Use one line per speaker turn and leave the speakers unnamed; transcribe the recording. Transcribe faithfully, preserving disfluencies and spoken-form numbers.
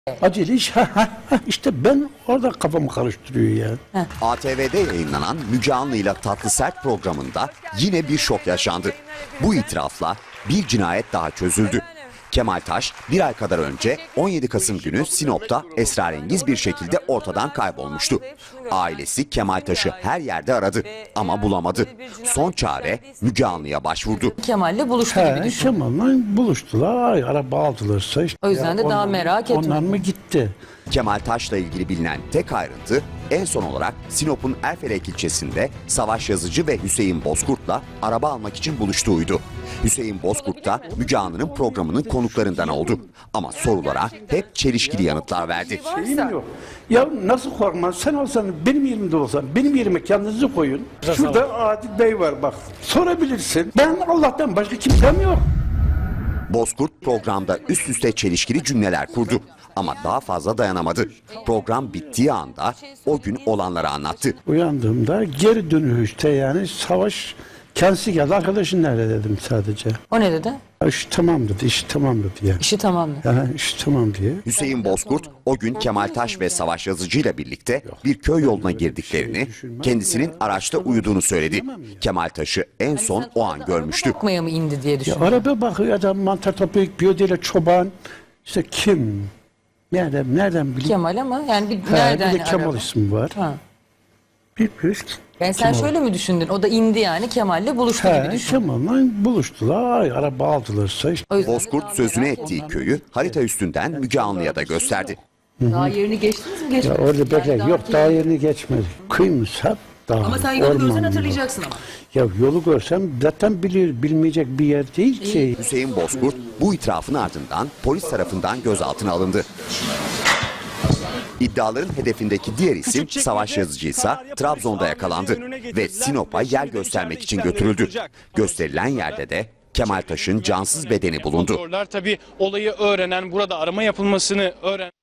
Acele iş. İşte ben orada kafamı karıştırıyor ya.
A T V'de yayınlanan Müge Anlı'yla Tatlı Sert programında yine bir şok yaşandı. Bu itirafla bir cinayet daha çözüldü. Kemal Taş bir ay kadar önce on yedi Kasım günü Sinop'ta esrarengiz bir şekilde ortadan kaybolmuştu. Ailesi Kemal Taş'ı her yerde aradı ama bulamadı. Son çare Müge Anlı'ya başvurdu.
Kemal'le buluştu
He,
gibi düşün.
Kemal'la buluştular. Ay, araba aldılarsa işte.
O yüzden de
Ya
daha
onlar-
merak etme.
Onlar mı gitti?
Kemal Taş'la ilgili bilinen tek ayrıntı en son olarak Sinop'un Erfelek ilçesinde Savaş Yazıcı ve Hüseyin Bozkurt'la araba almak için buluştuğuydu. Hüseyin Bozkurt da Müge Anlı'nın programının konuklarından oldu. Ama sorulara hep çelişkili yanıtlar verdi.
Şeyim yok. Ya nasıl korkmaz? Sen olsan, benim yerimde olsan, benim yerime kendinizi koyun. Şurada Adil Bey var bak. Sorabilirsin. Ben Allah'tan başka kimsem yok.
Bozkurt programda üst üste çelişkili cümleler kurdu. Ama daha fazla dayanamadı. Program bittiği anda o gün olanları anlattı.
Uyandığımda geri dönüşte yani Savaş kendisi geldi. Arkadaşın nerede dedim sadece.
O ne dedi?
Ya iş tamam dedi, iş tamam dedi ya.
İşi tamam mı?
Yani iş tamam diye.
Hüseyin Bozkurt o gün Kemal Taş ve Savaş Yazıcı ile birlikte bir köy yoluna girdiklerini, kendisinin araçta uyuduğunu söyledi. Kemal Taş'ı en son o an görmüştü.
Bakmaya mı indi diye
Ya
düşün.
araba bakıyor adam mantar toplayıp biyoduyla çoban. İşte kim? Nereden, nereden bileyim?
Kemal ama yani bir,
Ha,
nereden
bir de Kemal
araba?
ismi var.
Ha.
Bilmiyoruz.
Yani sen
Kemal.
şöyle mi düşündün? O da indi yani Kemal'le buluştu gibi
He,
düşün.
Kemal'la buluştular. Ay, araba aldılarsa işte.
O yüzden
Bozkurt sözünü ettiği köyü harita üstünden Müge Anlı'ya da gösterdi.
daha yerini geçtiniz mi?
Ya
Geçmediniz.
orada bekle.
Yani
Yok
daha
daha yerini geçmedi. Kıymış hep dağ.
Ama sen yolu görsen
orman
hatırlayacaksın ama.
Ya yolu görsem zaten bilir, bilmeyecek bir yer değil ki.
Hüseyin Bozkurt bu itirafın ardından polis tarafından gözaltına alındı. İddiaların hedefindeki diğer isim Savaş Yazıcı ise Trabzon'da yakalandı ve Sinop'a yer göstermek için götürüldü. Gösterilen yerde de Kemal Taş'ın cansız bedeni bulundu.
Tabii olayı öğrenen, burada arama yapılmasını öğrenen